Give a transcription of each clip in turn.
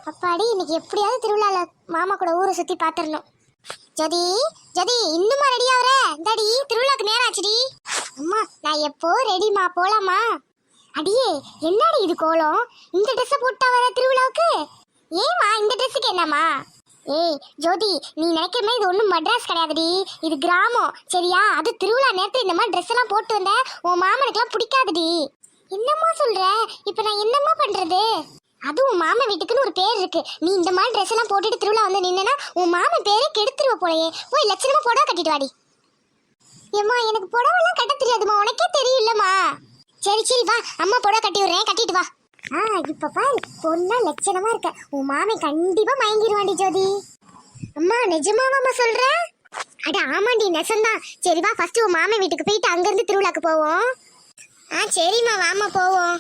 அப்பாடி இன்னைக்கு எப்படியாவது திருவிழால மாமா கூட ஊரை சுத்தி பாத்துறணும். ஜதி ஜதி இன்னுமா ரெடி ஆவற? இந்தாடி திருவிழாக்கு நேரம் ஆச்சுடி. அம்மா நான் எப்போ ரெடிமா, போலாமா? அடியே என்னடி இது கோலம்? இந்த ட்ரெஸ் போட்டா வர திருவிழாவுக்கு? ஏமா இந்த ட்ரெஸ்ஸுக்கு என்னம்மா? ஏய் ஜோதி, நீ நினைக்கிற இது ஒன்றும் மட்ராஸ் கிடையாதுடி, இது கிராமம் சரியா? அது திருவிழா நேரத்தில் இந்த மாதிரி ட்ரெஸ் எல்லாம் போட்டு வந்த உன் மாமனுக்குலாம் பிடிக்காதுடி. என்னம்மா சொல்ற? இப்போ நான் என்னம்மா பண்றது? அதுவும் மாமன் வீட்டுக்குன்னு ஒரு பேர் இருக்கு. நீ இந்த மாதிரி ட்ரெஸ் எல்லாம் போட்டுட்டு திருவிழா வந்து நின்னா உன் மாமன் பேரே கெடுத்துருவ போலயே. போய் லட்சணமா புடவை கட்டிட்டு வாடி. ஏம்மா எனக்கு புடவெல்லாம் கட்ட தெரியாதுமா, உனக்கே தெரியும்லம்மா. சரி சரி வா, அம்மா புடவை கட்டி விடுறேன், கட்டிட்டு வா. இப்ப பாரு பொண்ணா லட்சணமா இருக்க, உன் மாமன் கண்டிப்பா மயங்கிடுவாண்டி ஜோதி. அம்மா நிஜமாவாம்மா சொல்ற? அட ஆமாண்டி நெசந்தான். சரி வா, ஃபர்ஸ்ட் உன் மாமன் வீட்டுக்கு போயிட்டு அங்கிருந்து திருவிழாக்கு போவோம். சரிம்மா வாமா போவோம்.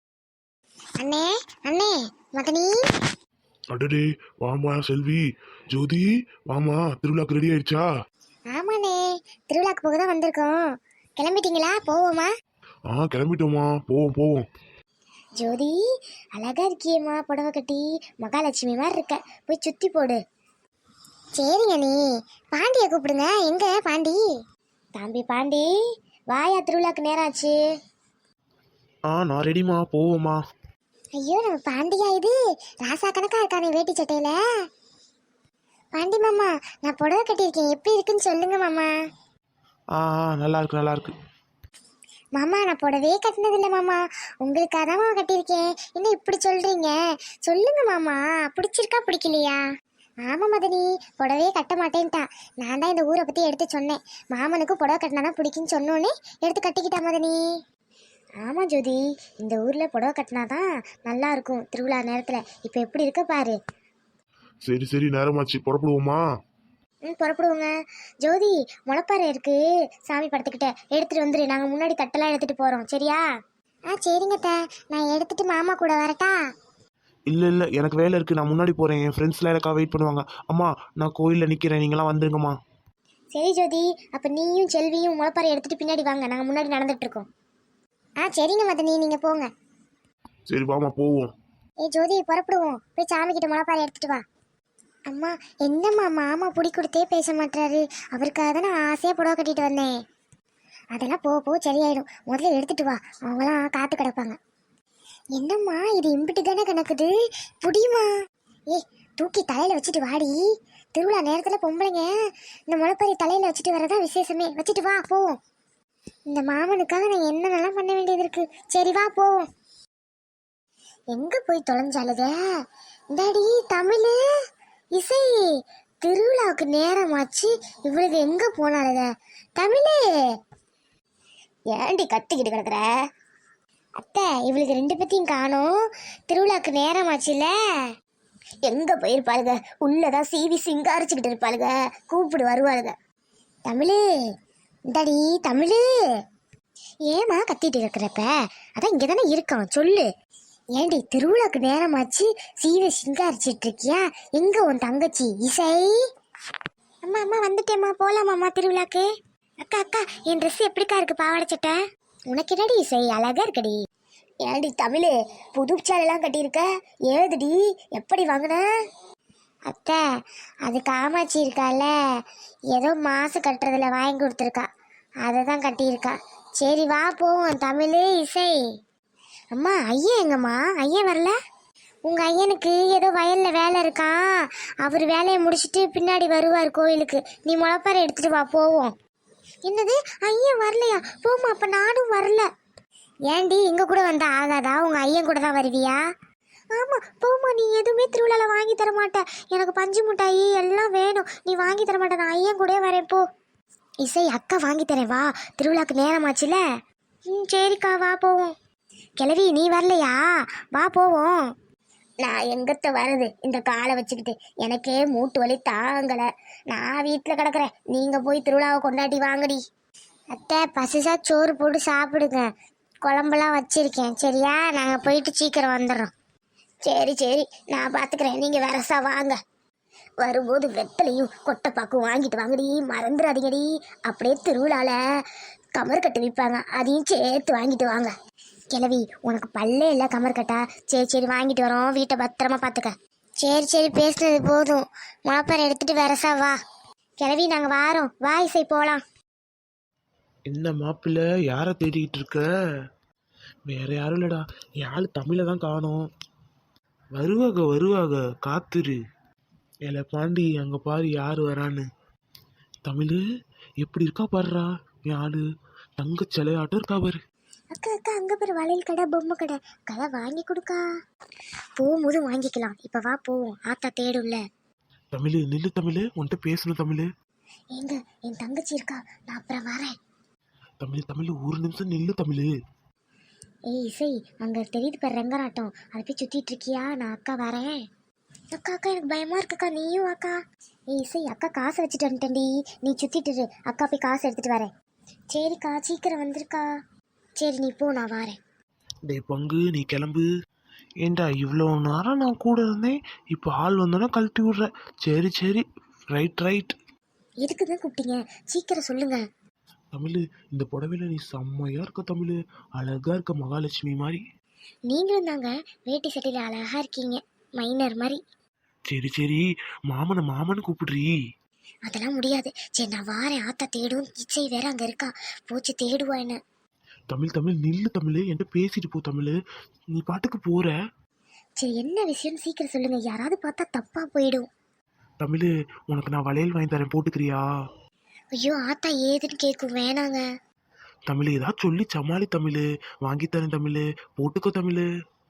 அண்ணே அண்ணே மகனி. அடடே வாமா செல்வி. ஜோதி வாமா, திருவிழாக்கு ரெடி ஆயிடுச்சா? ஆமாண்ணே, திருவிழாக்கு போக தான் வந்திருக்கோம். கிளம்பிட்டீங்களா? போவோமா? கிளம்பிட்டோமா, போவோம் போவோம். ஜோதி அழகா இருக்கியேம்மா, புடவை கட்டி மகாலட்சுமி மாதிரி இருக்க, போய் சுத்தி போடு. சரிங்க நீ. பாண்டியை கூப்பிடுங்க. எங்க பாண்டி? தம்பி பாண்டி வாயா, திருவிழாக்கு நேரம் ஆச்சு. நான் ரெடிமா, போவோமா. ஐயோ நம்ம பாண்டியா இது? ராசா கணக்கா இருக்கானே வேட்டி சட்டையில. பாண்டி மாமா நான் புடவை கட்டியிருக்கேன், எப்படி இருக்குன்னு சொல்லுங்க மாமா. நல்லா இருக்கு நல்லா இருக்கு. மாமா நான் புடவையே கட்டினதில்லை மாமா, உங்களுக்காக தான் மாமா கட்டியிருக்கேன். என்ன இப்படி சொல்றீங்க? சொல்லுங்க மாமா, பிடிச்சிருக்கா பிடிக்கலையா? ஆமா மதனி, புடவையே கட்ட மாட்டேன்ட்டா. நான் தான் இந்த ஊரை பத்தி எடுத்து சொன்னேன், மாமனுக்கு புடவை கட்டினாதான் பிடிக்குன்னு சொன்னோன்னே எடுத்து கட்டிக்கிட்டா மதனி. ஆமா ஜோதி, இந்த ஊர்ல புடவை கட்டினாதான் நல்லா இருக்கும் திருவிழா நேரத்துல. இப்ப எப்படி இருக்க பாரு. சரி சரி நேரமாச்சு, புறப்படுவோமா? புறப்படுவோங்க. ஜோதி முளைப்பாறை இருக்கு சாமி படத்துக்கிட்ட, எடுத்துட்டு வந்துரு. நாங்க முன்னாடி தட்டெல்லாம் எடுத்துட்டு போறோம் சரியா? சரிங்க த, நான் எடுத்துட்டு மாமா கூட வரட்டா? இல்ல எனக்கு வேலை இருக்கு, நான் முன்னாடி போறேன். என் ஃப்ரெண்ட்ஸ்லாம் எனக்கா வெயிட் பண்ணுவாங்க. அம்மா நான் கோயிலில் நிக்கிறேன், நீங்களாம் வந்துருங்கம்மா. சரி ஜோதி, அப்ப நீயும் செல்வியும் முளைப்பாறை எடுத்துட்டு பின்னாடி வாங்க, நாங்க முன்னாடி நடந்துட்டு இருக்கோம். சரிங்க மதனி, நீங்க போங்க. சரி வாமா போவோம். ஜோதி புறப்படுவோம், போய் சாமி கிட்ட முளைப்பாறை எடுத்துட்டு வா. அம்மா என்னம்மா மாமா புடி கொடுத்தே பேச மாட்டாரு, அவருக்காக தான் நான் ஆசையா புடவை கட்டிட்டு வந்தேன். அதெல்லாம் போ சரியாயிடும், முதல்ல எடுத்துட்டு வா, அவங்களாம் காத்து கிடப்பாங்க. என்னம்மா இது இம்பிட்டு தானே கணக்குது, புடியுமா? தூக்கி தலையில வச்சுட்டு வாடி. திருவிழா நேரத்துல பொம்பளைங்க இந்த முளைப்பாறை தலையில வச்சுட்டு வரதான் விசேஷமே. வச்சுட்டு வா போவோம். இந்த மாமனுக்காக நான் என்னென்னலாம் பண்ண வேண்டியது இருக்கு. சரி வா போவோம். எங்க போய் தொலைஞ்சாலுத டாடி தமிழ் இசை? திருவிழாவுக்கு நேரமாச்சு, இவளுக்கு எங்க போனாலுத? தமிழ் ஏண்டி கத்திக்கிட்டு கிடக்குற? அத்தை இவளுக்கு ரெண்டு பத்தியும் காணோம், திருவிழாவுக்கு நேரமாச்சுல. எங்க போயிருப்பாளுங்க? உள்ளதான் சீவி சிங்காரிச்சுக்கிட்டு இருப்பாளுங்க, கூப்பிடு வருவாளுங்க. தமிழ் இந்தாடி தமிழ். ஏமா கத்திட்டு இருக்கிறப்ப? அதான் இங்கே தானே இருக்கான், சொல்லு. ஏண்டி திருவிழாக்கு நேரமாச்சு, சீவை சிங்காரிச்சிட்டு இருக்கியா? எங்க உன் தங்கச்சி இசை? அம்மா அம்மா வந்துட்டேம்மா, போலாமாம்மா திருவிழாக்கு? அக்கா அக்கா என் ட்ரெஸ் எப்படிக்கா இருக்கு பாவாடை சட்டை? உனக்கு என்னடி இசை அழகா இருக்கடி. ஏண்டி தமிழ் புது சேலெல்லாம் கட்டியிருக்க, ஏதுடி எப்படி வாங்கின? அத்தை அது காமாட்சி இருக்கால, ஏதோ மாசு கட்டுறதுல வாங்கி கொடுத்துருக்கா, அதை தான் கட்டியிருக்கா. சரி வா போவோம் தமிழ் இசை. அம்மா ஐயன் எங்கம்மா? ஐயன் வரல? உங்கள் ஐயனுக்கு ஏதோ வயலில் வேலை இருக்கான், அவர் வேலையை முடிச்சுட்டு பின்னாடி வருவார் கோயிலுக்கு. நீ முளைப்பாறை எடுத்துட்டு வா போவோம். என்னது ஐயன் வரலையா? போமா, அப்போ நானும் வரல. ஏண்டி எங்க கூட வந்தா ஆகாதா? உங்கள் ஐயன் கூட தான் வருவியா? ஆமாம் போமா, நீ எதுவுமே திருவிழாவில் வாங்கி தர மாட்டேன், எனக்கு பஞ்சு மிட்டாயி எல்லாம் வேணும், நீ வாங்கி தர மாட்டேன், நான் ஐயன் கூட வரேன் போ. இசை அக்கா வாங்கி தரேன் வா, திருவிழாக்கு நேரமாச்சுல. சரிக்கா வா போவோம். கிளவி நீ வரலையா? வா போவோம். நான் எங்கத்த வர்றது இந்த காலை வச்சுக்கிட்டு, எனக்கே மூட்டு வலி தாங்கலை, நான் வீட்டில் கிடக்குறேன். நீங்கள் போய் திருவிழாவை கொண்டாடி வாங்கடி. அத்தை பசிசா சோறு போட்டு சாப்பிடுங்க, குழம்பெல்லாம் வச்சிருக்கேன் சரியா? நாங்கள் போயிட்டு சீக்கிரம் வந்துடுறோம். சரி சரி நான் பார்த்துக்கிறேன், நீங்கள் வரசா வாங்க. வரும்போது வெத்தலையும் கொட்டைப்பாக்கும் வாங்கிட்டு வாங்கடி, மறந்துடாதீங்கடி. அப்படியே திருவிழால கமர் கட்டு விற்பாங்க, அதையும் சேர்த்து வாங்கிட்டு வாங்க. கிளவி உனக்கு பல்லே இல்லை கமர் கட்டா? சரி சரி வாங்கிட்டு வரோம், வீட்டை பத்திரமா பார்த்துக்க. சரி சரி பேசுனது போதும். மாப்பாரை எடுத்துட்டு வரசா வா. கிளவி நாங்க வாரோம். வா இசை போலாம். என்ன மாப்பிள்ள யாரை தேடிக்கிட்டு இருக்க? வேற யாரும் இல்லடா, என் ஆள் தமிழை தான் காணோம். வருவாக வருவாக, காத்துரு. ஏல பாண்டி, அங்க பாரு யாரு வரான்னு. தமிழு எப்படி இருக்கா பாருடா என் ஆளு. தங்க சிலையாட்டம் இருக்கா பாரு. அக்கா அக்கா அங்க பேர் வளையல் கடை பொம்மை கடை கடை வாங்கி கொடுக்கா. போகும்போது வாங்கிக்கலாம். இப்ப வா போவோம். ஆத்தா தேடும்ல. தமிழு நில்லு தமிழு, உன்கிட்ட பேசணும் தமிழு. எங்க என் தங்கச்சி இருக்கா, நான் அப்புறம் வரேன். தமிழ் தமிழ் ஒரு நிமிஷம் நில்லு தமிழு. ஏய் இசை, அங்க தெரியுது பாரு ரங்கராட்டம், அதை போய் சுத்திட்டு இருக்கியா? நான் அக்கா வரேன். அக்கா அக்கா எனக்கு பயமா இருக்குக்கா, நீயும் அக்கா. ஏய் இசை, அக்கா காசை வச்சுட்டு வந்துட்டேன்டி, நீ சுத்திட்டு இரு. அக்கா போய் காசு எடுத்துட்டு வரேன். சரிக்கா சீக்கிரம் வந்துருக்கா. சரி நீ போ, நான் வரேன். டேய் பங்கு, நீ கிளம்பு. ஏண்டா இவ்வளோ நேரம் நான் கூட இருந்தேன், இப்போ ஆள் வந்தோன்னா கழட்டி விட்ற. சரி சரி, ரைட் ரைட். எதுக்கு தான் கூப்பிட்டீங்க? சீக்கிரம் சொல்லுங்க. தமிழ், இந்த புடவையில நீ செம்மையா இருக்க தமிழ். அழகா இருக்க, மகாலட்சுமி மாதிரி. நீங்களும் தாங்க வேட்டி சட்டையில அழகா இருக்கீங்க, மைனர் மாதிரி. சரி சரி, மாமனை மாமன்னு கூப்பிடுறீ. அதெல்லாம் முடியாது. சரி நான் வாரேன். ஆத்தா தேடும். இச்சை வேற அங்க இருக்கா, போச்சு தேடுவா என்ன. தமிழ் தமிழ் நில்லு தமிழ், என்கிட்ட பேசிட்டு போ தமிழ். நீ பாட்டுக்கு போற. சரி என்ன விஷயம் சீக்கிரம் சொல்லுங்க, யாராவது பார்த்தா தப்பா போயிடும். தமிழ், உனக்கு நான் வளையல் வாங்கி தரேன், போட்டுக்கிறியா? ஐயோ ஆத்தா ஏதுன்னு கேட்கும், வேணாங்க. தமிழ் ஏதாவது சொல்லி சமாளி தமிழ். வாங்கி தரேன் தமிழ், போட்டுக்கோ தமிழ்.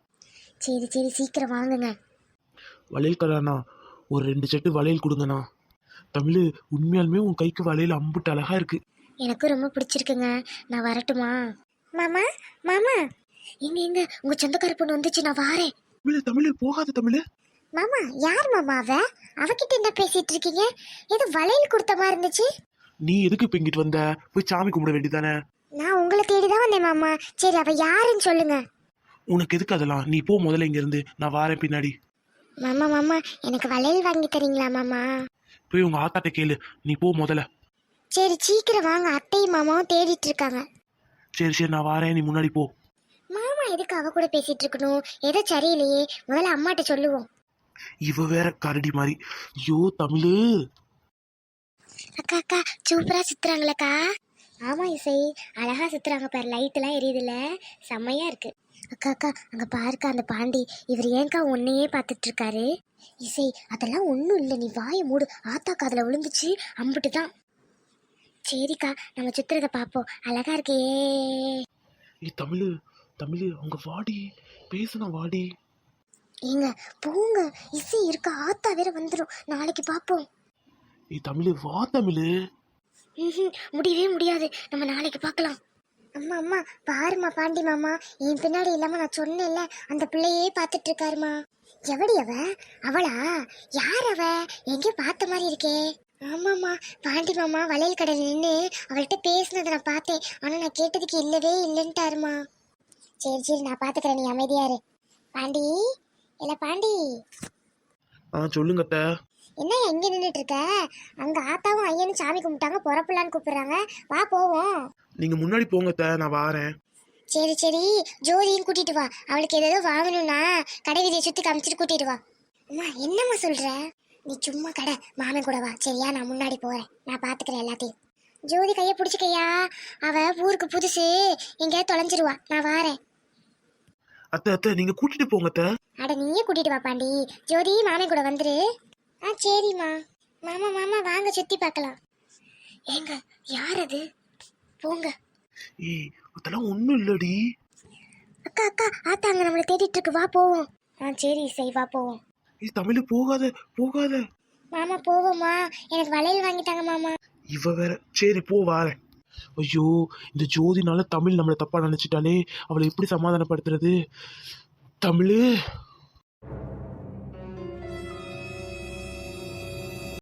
சரி சரி சீக்கிரம் வாங்குங்க. வளையல் கடாண்ணா, ஒரு 2 செட்டு வளையல் கொடுங்கண்ணா. தமிழ், உண்மையாலுமே உன் கைக்கு வளையல் அம்புட்டு அழகா இருக்கு. எனக்கு ரொம்ப பிடிச்சிருக்குங்க. நான் வரட்டுமா? மாமா மாமா, எங்க எங்க உங்க சொந்தக்கார பொண்ணு வந்துச்சு, நான் வாரேன். தமிழ் தமிழ் போகாத தமிழ். மாமா யார் மாமா அவகிட்ட என்ன பேசிட்டு இருக்கீங்க? ஏதோ வளையல் கொடுத்த மாதிரி இருந்துச்சு. நீ எதுக்கு இப்ப இங்கிட்டு வந்த? போய் சாமி கும்பிட வேண்டியதானே. நான் உங்களை தேடிதான் வந்தேன் மாமா. சரி அவ யாருன்னு சொல்லுங்க. உனக்கு எதுக்கு அதெல்லாம்? நீ போ முதல்ல இங்க இருந்து, நான் வாரேன் பின்னாடி. மாமா மாமா எனக்கு வளையல் வாங்கி தரீங்களா மாமா? போய் உங்க ஆத்தாட்ட கேளு, நீ போ முதல்ல. சரி சீக்கிரம் வாங்க, அத்தையும் மாமாவும் தேடிட்டு இருக்காங்க. சரி சரி, நான் வாரேன், நீ முன்னாடி போ. மாமா எதுக்கு அவ கூட பேசிட்டு இருக்கணும்? ஏதோ சரியில்லையே, முதல்ல அம்மாட்ட சொல்லுவோம். இவ வேற கரடி மாதிரி. ஐயோ தமிழ். அக்கா அக்கா சூப்பரா சுத்துறாங்களக்கா. ஆமா இசை, அழகா சுத்துறாங்க பாரு, லைட் எல்லாம் எரியுதுல, செம்மையா இருக்கு. அக்கா அக்கா அங்க பாருக்கா அந்த பாண்டி, இவர் ஏன்க்கா உன்னையே பார்த்துட்டு இருக்காரு? இசை அதெல்லாம் ஒன்றும் இல்லை, நீ வாயை மூடு. ஆத்தா காதுல விழுந்துச்சு, அம்புட்டு தான். சரிக்கா நம்ம சுத்துறத பார்ப்போம், அழகா இருக்கே. ஏய் தமிழ் தமிழ், அவங்க வாடி, பேசுனா வாடி. ஏங்க போங்க, இசை இருக்கா, ஆத்தா வேற வந்துடும், நாளைக்கு பார்ப்போம். ஏய் தமிழ், வா தமிழ். முடியவே முடியாது, நம்ம நாளைக்கு பார்க்கலாம். அம்மா அம்மா பாருமா, பாண்டி மாமா என் பின்னாடி இல்லாம நான் சொன்னேன்ல, அந்த பிள்ளையே பார்த்துட்டு இருக்காருமா. எவடி அவ? அவளா? யார் அவ? எங்கேயோ பார்த்த மாதிரி இருக்கே. ஆமாம்மா, பாண்டி மாமா வளையல் கடையில் நின்று அவள்கிட்ட பேசினதை நான் பார்த்தேன். ஆனா நான் கேட்டதுக்கு இல்லவே இல்லைன்ட்டாருமா. சரி சரி நான் பார்த்துக்கிறேன், நீ அமைதியா இரு. பாண்டி, இல்ல பாண்டி. சொல்லுங்க அத்தை. என்ன எங்க நின்றுட்டு இருக்க? அங்க ஆத்தாவும் ஐயனும் சாமி கும்பிட்டாங்க, புறப்படலான்னு கூப்பிடுறாங்க, வா போவோம். நீங்க முன்னாடி போங்க அத்தை, நான் வாரேன். சரி சரி ஜோதியும் கூட்டிட்டு வா, அவளுக்கு ஏதோ வாங்கணும்னா கடை வீதியை சுத்தி காமிச்சிட்டு கூட்டிட்டு வா. அம்மா என்னம்மா சொல்ற? நீ சும்மா கடை மாமன் கூட வா சரியா, நான் முன்னாடி போறேன், நான் பாத்துக்கிறேன் எல்லாத்தையும். ஜோதி கைய பிடிச்சிக்கையா, அவ ஊருக்கு புதுசு, எங்கேயாவது தொலைஞ்சிருவா, நான் வாரேன். அத்தை அத்தை, நீங்க கூட்டிட்டு போங்க அத்தை. அட நீயே கூட்டிட்டு வா பாண்டி, ஜோதி மாமன் கூட வந்துரு. சரிம்மா. மாமா மாமா வாங்க சுத்தி பார்க்கலாம். ஏங்க யார் அது? போங்க. ஏய் அதெல்லாம் ஒண்ணும் இல்லடி. அக்கா அக்கா ஆத்தா அங்க நம்மளை தேடிட்டு இருக்கு, வா போவோம். சரி சரி வா போவோம். ஏய் தமிழ், போகாத போகாத. மாமா போவோமா? எனக்கு வளையல் வாங்கிட்டாங்க மாமா. இவ வேற. சரி போ, வாரேன். ஐயோ, இந்த ஜோதினால தமிழ் நம்மளை தப்பா நினைச்சிட்டாலே, அவளை எப்படி சமாதானப்படுத்துறது? தமிழ்